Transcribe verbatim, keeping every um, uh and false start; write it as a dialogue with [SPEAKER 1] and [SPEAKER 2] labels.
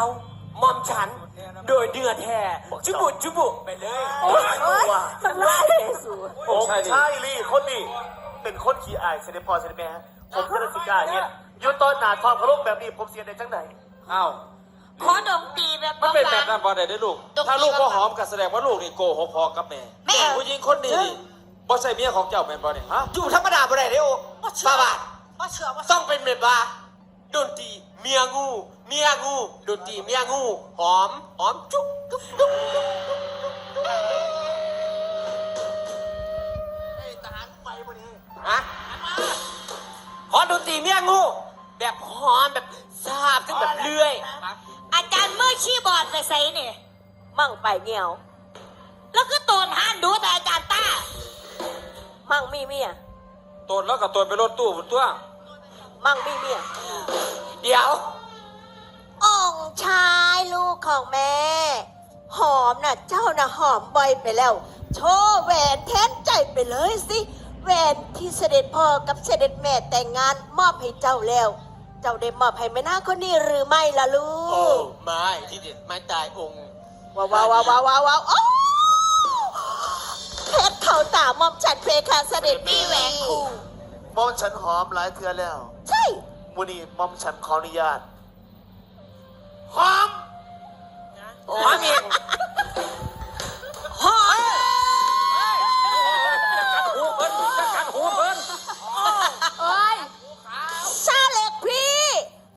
[SPEAKER 1] มอมฉันโดยเดือดแท้จุบุจุบุไปเลย
[SPEAKER 2] โอ้ยมันไล่สู
[SPEAKER 3] ผมใช่ลี่คนนี้เป็นคนขี้อายเสด็จพ่อเสด็จแม่ผมจะได้สิกล้าเนี่ยอยู่ตอนหนาทองพระโลกแบบนี้ผมเสียในจังไหน
[SPEAKER 4] อ้าว
[SPEAKER 5] ขอดมตีแบบ
[SPEAKER 4] มันเป็นแบบนั้นพอได้ได้ลูกถ้าลูกก็หอมก็แสดงว่าลูกนี่โกหกพอกับแม่ผู้หญิงคนนี้นี่บ่ใช่เมียของเจ้าแม่นบ่เนี่ยฮะ
[SPEAKER 1] อยู่ธรรมดาบ่ได้เด้อป้าบาท
[SPEAKER 5] ว่าเชื่อว่า
[SPEAKER 1] ต้องเป็นแบบว่าดนตรีเมียงูเมียงูดนตรีเมียงูหอมหอมจุ๊บจุ๊บจุ๊บจุ๊บฮะขอดนตรีเมียงูแบบหอมแบบซาบซึ่งแบบเลื่อย
[SPEAKER 5] อาจารย์มือชี้บอร์ดใส่ใส่เนี่ย
[SPEAKER 2] มั่งไปเงียว
[SPEAKER 5] แล้วก็โตนห้านดูแต่อาจารย์ต้า
[SPEAKER 2] มั่งมีเมีย
[SPEAKER 4] ตนแล้วก็ตนไปรถตู้บนตัว
[SPEAKER 2] มั่งมีเมีย
[SPEAKER 1] เดี๋ยว
[SPEAKER 2] องค์ชายลูกของแม่ หอมน่ะเจ้าน่ะหอมบ่อยไปแล้ว โชว์แหวนแทนใจไปเลยสิแหวนที่เสด็จพ่อกับเสด็จแม่แต่งงานมอบให้เจ้าแล้ว เจ้าได้มอบให้แม่นางคนนี้หรือไม่ล่ะลู
[SPEAKER 1] โอ้
[SPEAKER 2] ก
[SPEAKER 1] ไม่ที่เด็ดไม่ตายองค์
[SPEAKER 2] ว้าวว้าวว้าวว้าวว้าวว้าวโอ้เพชรเขาตามอมฉันเพคะเสด็จ
[SPEAKER 5] มีแหวนคู่
[SPEAKER 3] มอมฉันหอมหลายเทือแล้ว
[SPEAKER 2] ใช่
[SPEAKER 3] มูนี่มอมฉันขออนุญาต
[SPEAKER 1] หอมหอมอีก